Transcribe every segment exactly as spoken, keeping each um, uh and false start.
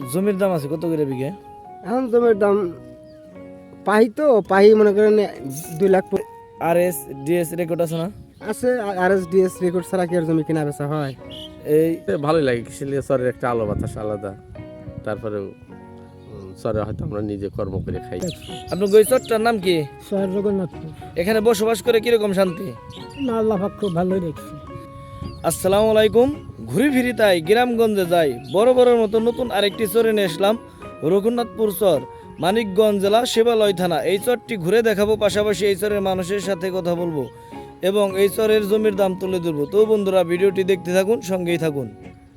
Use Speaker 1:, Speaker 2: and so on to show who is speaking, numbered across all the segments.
Speaker 1: জমির দাম আছে কত করে বিঘে?
Speaker 2: এখন জমির দাম পাহি তো পাহি মনে করেন দুই লাখ প-
Speaker 1: আর এস ডিএস রেকর্ড আছে না?
Speaker 2: আছে। আর এস ডিএস রেকর্ড ছাড়া কি আর জমি কেনা বেচা হয়?
Speaker 1: এই
Speaker 3: এ ভালোই লাগে কিশোরীয় চরের একটা আলো বাতাস আলাদা। তারপরে চরে হয়তো আমরা নিজে কর্ম করে খাই।
Speaker 1: আপনার ওই চরটার নাম কি?
Speaker 4: শহর জগন্নাথপুর।
Speaker 1: এখানে বসবাস করে কিরকম শান্তি?
Speaker 4: না, আল্লাহ পাক খুব ভালোই রেখেছে।
Speaker 1: আসসালামু আলাইকুম। ঘুরি ফিরি তাই গ্রামগঞ্জে যাই, বড় বড়ের মতো নতুন আরেকটি চরে নিয়ে আসলাম। রঘুনাথপুর চর, মানিকগঞ্জ জেলা, শিবালয় থানা। এই চরটি ঘুরে দেখাবো, পাশাপাশি এই চরের মানুষের সাথে কথা বলবো এবং এই চরের জমির দাম তুলে ধরবো। তো বন্ধুরা, ভিডিওটি দেখতে থাকুন, সঙ্গেই থাকুন।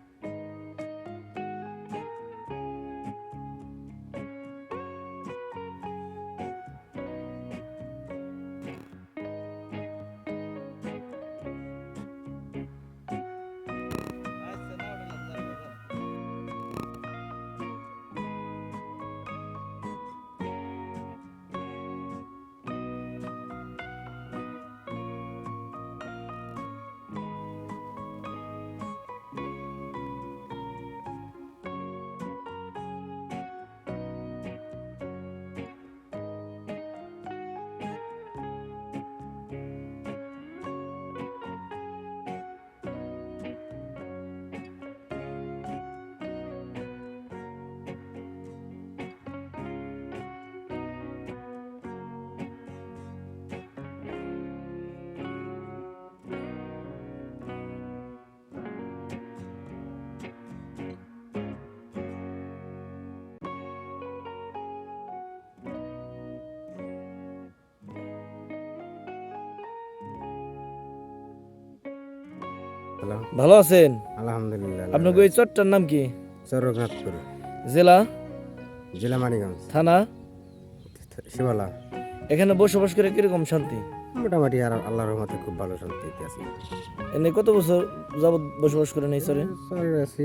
Speaker 2: হ্যালো,
Speaker 1: ভালো আছেন?
Speaker 2: আলহামদুলিল্লাহ।
Speaker 1: আপনার ওই চরটার নাম কি?
Speaker 2: চর রঘুনাথপুর,
Speaker 1: জেলা,
Speaker 2: জেলা মানিকগঞ্জ,
Speaker 1: থানা?
Speaker 2: শিবালা।
Speaker 1: এখানে বসবাস করে কিরকম শান্তি?
Speaker 2: মোটামুটি আর আল্লাহর রহমতে খুব ভালো শান্তিতে আছি।
Speaker 1: এনে কত বছর যাবত বসবাস করেন এই চরে?
Speaker 2: চরে আছি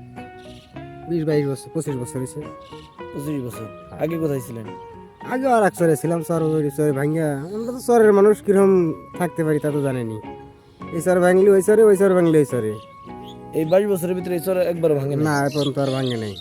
Speaker 2: বিশ বাইশ বছর, পঁচিশ বছর হয়েছে।
Speaker 1: পঁচিশ বছর। আগে কোথায় ছিলেন?
Speaker 2: আগে আর এক চরে ছিলাম, চর ওই চরে ভাঙ্গা। আমরা তো চরের মানুষ কিরকম থাকতে পারি তা তো জানেনি। এই চর ভাঙলি ওই চরে, ওই চর ভাঙলি ওই চরে।
Speaker 1: এই বাইশ বছরের ভিতরে এই চরে একবার ভাঙে না?
Speaker 2: না, এখন তো আর ভাঙে নাই।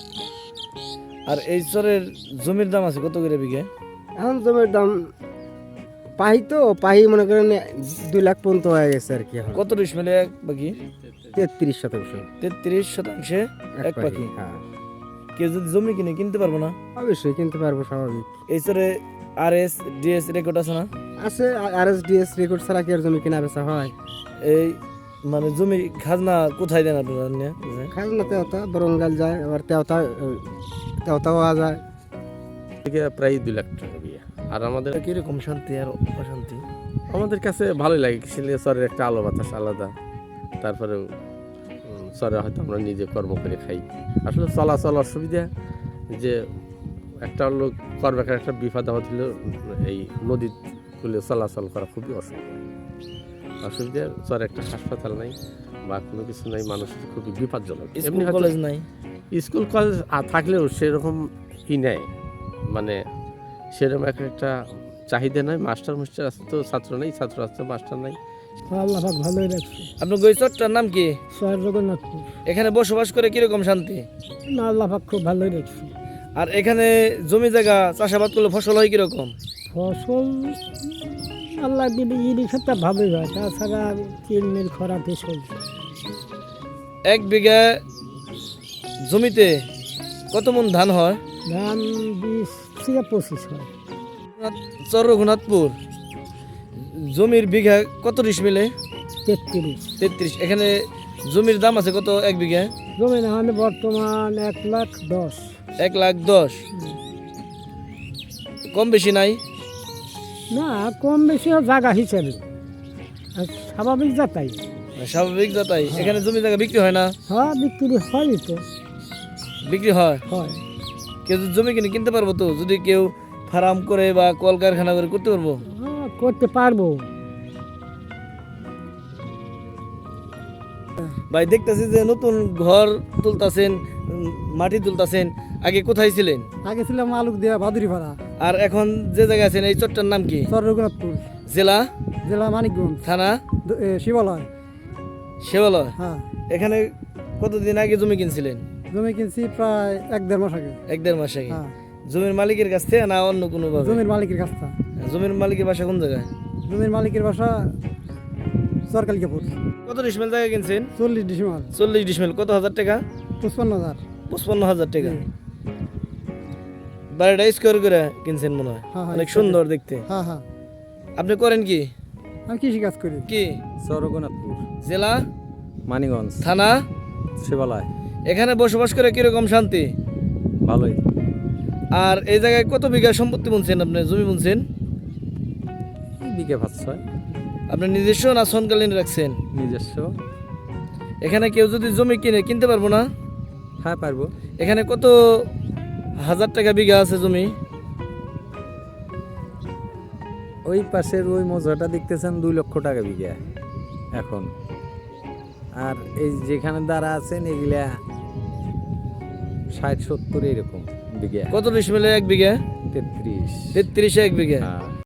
Speaker 1: আর এই চরের জমির দাম আছে কত করে বিঘে?
Speaker 2: এখন জমির দাম পাহি তো পাহি মনে করেন দুই লাখ পর্যন্ত হয়ে গেছে আর কি। এখন
Speaker 1: কত ডিসমিলে এক পাখি?
Speaker 2: তেত্রিশ শতাংশ
Speaker 1: তেত্রিশ শতাংশে এক পাখি।
Speaker 2: হ্যাঁ,
Speaker 1: কেউ যদি জমি কিনে কিনতে পারবো না?
Speaker 2: অবশ্যই কিনতে পারবো, স্বাভাবিক।
Speaker 1: এই চরে আর এস ডিএস রেকর্ড আছে না?
Speaker 2: আছে। আর এস ডিএস রেকর্ড ছাড়া কি আর জমি কেনা বেচা হয়?
Speaker 1: এই মানে জমি খাজনা কোথায় দেন আপনারা? নিয়ে বুঝলেন?
Speaker 2: খাজনা তেওতা বরঙ্গাল যায়, আবার তেওতা তেওতাও যায়।
Speaker 3: থেকে প্রায় দুই লাখ টাকা বিয়ে। আর আমাদের
Speaker 1: এটা কিরকম শান্তি আর অশান্তি?
Speaker 3: আমাদের কাছে ভালোই লাগে কিশোরীয় চরের একটা আলো বাতাস আলাদা। তারপরে চরে হয়তো আমরা নিজে কর্ম করে খাই। আসলে চলাচল অসুবিধা, যে একটা লোক করবেকার একটা বিপদ আপদ হলে এই নদী কুলে চলাচল করা খুবই অসুবিধা। অসুবিধা চরে একটা হাসপাতাল নাই বা কোনো কিছু নাই, মানুষের খুবই বিপজ্জনক।
Speaker 1: স্কুল
Speaker 3: এমনি হয়তো
Speaker 1: কলেজ নাই?
Speaker 3: স্কুল কলেজ আ- থাকলেও সেরকম ই নেয়, মানে সেরকম এক একটা চাহিদা নয়। মাস্টার মাস্টার আছে তো ছাত্র নেই, ছাত্র আছে মাস্টার নাই।
Speaker 4: আল্লাহ পাক ভালোই রেখেছে।
Speaker 1: আপনার ওই চরটার নাম কি?
Speaker 4: শহর জগন্নাথপুর।
Speaker 1: এখানে বসবাস করে কিরকম শান্তি?
Speaker 4: না, আল্লাহ পাক খুব ভালোই রেখেছে।
Speaker 1: আর এখানে জমি জায়গা চাষাবাদ করলে ফসল হয় কিরকম?
Speaker 4: ফসল আল্লাহ দিলে ইরি ক্ষেত্রে ভালোই হয়, তাছাড়া চিলমিল খরাতে চলছে।
Speaker 1: এক বিঘা জমিতে কত মন ধান হয়?
Speaker 4: ধান বিশ থেকে পঁচিশ হয়।
Speaker 1: চর রঘুনাথপুর জমির বিঘা কত ডিসমিলে?
Speaker 4: তেত্রিশ।
Speaker 1: তেত্রিশ। এখানে জমির দাম আছে কত এক বিঘা?
Speaker 4: জমি না হলে বর্তমান এক লাখ দশ।
Speaker 1: এক লাখ দশ। কম বেশি নাই?
Speaker 4: না, কম বেশি জায়গা হিসেবে আর স্বাভাবিক যাতাই।
Speaker 1: স্বাভাবিক যাতাই। এখানে জমি জায়গা বিক্রি হয় না?
Speaker 4: হ্যাঁ, বিক্রি হয় তো।
Speaker 1: বিক্রি হয়।
Speaker 4: হয়।
Speaker 1: কেউ যদি জমি কিনে কিনতে পারবো তো? যদি কেউ ফার্ম করে বা কলকারখানা করে করতে পারবো?
Speaker 4: হ্যাঁ, করতে পারবো।
Speaker 1: ভাই, দেখতেছি যে নতুন ঘর তুলতাছেন, উম, মাটি তুলতাছেন। আগে কোথায় ছিলেন?
Speaker 4: আগে ছিলাম আলুক দেওয়া বাদুরি ভাড়া।
Speaker 1: আর এখন যে জায়গায় আছেন এই চরটার নাম কি?
Speaker 4: চর রঘুনাথপুর,
Speaker 1: জেলা,
Speaker 4: জেলা মানিকগঞ্জ,
Speaker 1: থানা?
Speaker 4: শিবালয়।
Speaker 1: শিবালয়।
Speaker 4: হ্যাঁ,
Speaker 1: এখানে কতদিন আগে জমি কিনছিলেন?
Speaker 2: জমি কিনছি প্রায় এক দেড় মাস আগে।
Speaker 1: এক দেড় মাস আগে।
Speaker 2: হ্যাঁ,
Speaker 1: জমির মালিকের কাছ থেকে না অন্য কোনো ভাবে?
Speaker 2: জমির মালিকের কাছ থেকে।
Speaker 1: জমির মালিকের বাসা কোন জায়গায়?
Speaker 2: জমির মালিকের বাসা সরকালিকাপুর।
Speaker 1: কত ডিসমেল জায়গা কিনছেন?
Speaker 2: চল্লিশ ডিসেম্বর।
Speaker 1: চল্লিশ ডিসমেল। কত হাজার টাকা?
Speaker 2: পঁচপান্ন হাজার।
Speaker 1: পঁচপান্ন হাজার টাকা।
Speaker 2: জি।
Speaker 1: বাড়িটা স্কোয়ার করে কিনছেন মনে হয়,
Speaker 2: হ্যাঁ, হ্যাঁ,
Speaker 1: অনেক
Speaker 2: square
Speaker 1: সুন্দর দেখতে।
Speaker 2: হ্যাঁ হ্যাঁ,
Speaker 1: আপনি করেন কি?
Speaker 2: আমি কৃষি কাজ করি।
Speaker 1: কি
Speaker 3: সরগনাথপুর,
Speaker 1: জেলা?
Speaker 3: মানিগঞ্জ,
Speaker 1: থানা?
Speaker 3: শিবালয়।
Speaker 1: এখানে বসবাস করে কিরকম শান্তি?
Speaker 3: ভালোই।
Speaker 1: আর এই জায়গায় কত বিঘা সম্পত্তি বুনছেন আপনি, জমি বুনছেন?
Speaker 3: বিঘে পাঁচ ছয়।
Speaker 1: আপনি নিজস্ব না সনকালীন রাখছেন?
Speaker 3: নিজস্ব।
Speaker 1: এখানে কেউ যদি জমি কিনে কিনতে পারবো না?
Speaker 3: হ্যাঁ পারবো।
Speaker 1: এখানে কত হাজার টাকা বিঘা আছে জমি?
Speaker 3: ওই পাশের ওই মজাটা দেখতেছেন দুই লক্ষ টাকা বিঘা এখন। আর এই যেখানে দ্বারা আছেন এগুলা ষাট সত্তর এরকম বিঘা।
Speaker 1: কত ডিসমেলে এক বিঘা?
Speaker 3: তেত্রিশ।
Speaker 1: তেত্রিশে এক বিঘা।
Speaker 3: হ্যাঁ।